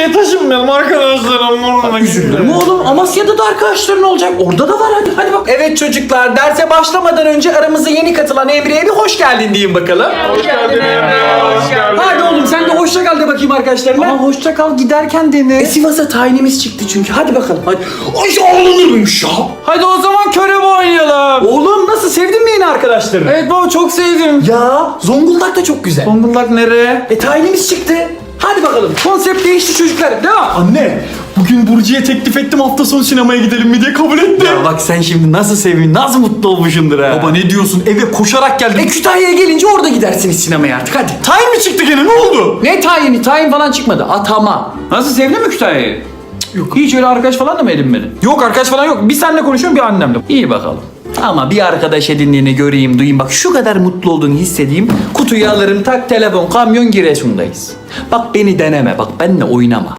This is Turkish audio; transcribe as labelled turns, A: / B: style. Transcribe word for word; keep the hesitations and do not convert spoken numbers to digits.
A: Amasya'ya taşınmayalım arkadaşlarım. Orada
B: Üzülürüm oğlum. Amasya'da da arkadaşların olacak. Orada da var hadi. Hadi bak. Evet çocuklar, derse başlamadan önce aramıza yeni katılan Emre'ye bir hoş geldin diyeyim bakalım.
A: Hoş geldin Emre. Hoş geldin.
B: Hadi oğlum sen de hoşça kal de bakayım arkadaşlarına. Ama hoşça kal giderken dene. E, Sivas'a tayinimiz çıktı çünkü. Hadi bakalım. Hadi. Ay ağlanır mıymış ya?
A: Hadi o zaman körebe oynayalım.
B: Oğlum nasıl, sevdin mi yeni arkadaşlarını?
A: Evet baba çok sevdim.
B: Ya Zonguldak da çok güzel.
A: Zonguldak nereye?
B: E tayinimiz çıktı. Hadi bakalım. Konsept değişti çocuklar. Devam.
A: Anne, bugün Burcu'ya teklif ettim hafta sonu sinemaya gidelim mi diye kabul etti.
B: Ya bak sen şimdi nasıl sevin, nasıl mutlu olmuşsundur ha.
A: Baba ne diyorsun? Eve koşarak geldim.
B: E Kütahya'ya gelince orada gidersiniz sinemaya artık hadi.
A: Tayin mi çıktı gene? Ne oldu?
B: Ne tayini? Tayin falan çıkmadı. Atama.
A: Nasıl, sevdin mi Kütahya'yı?
B: Yok. Hiç öyle arkadaş falan da mı edinmedin?
A: Yok arkadaş falan yok. Bir seninle konuşuyorum bir annemle.
B: İyi bakalım. Ama bir arkadaş edindiğini göreyim, duyayım. Bak şu kadar mutlu olduğunu hissedeyim. Kutuyu alırım, tak telefon, kamyon Giresun'dayız. Bak beni deneme, bak benimle oynama.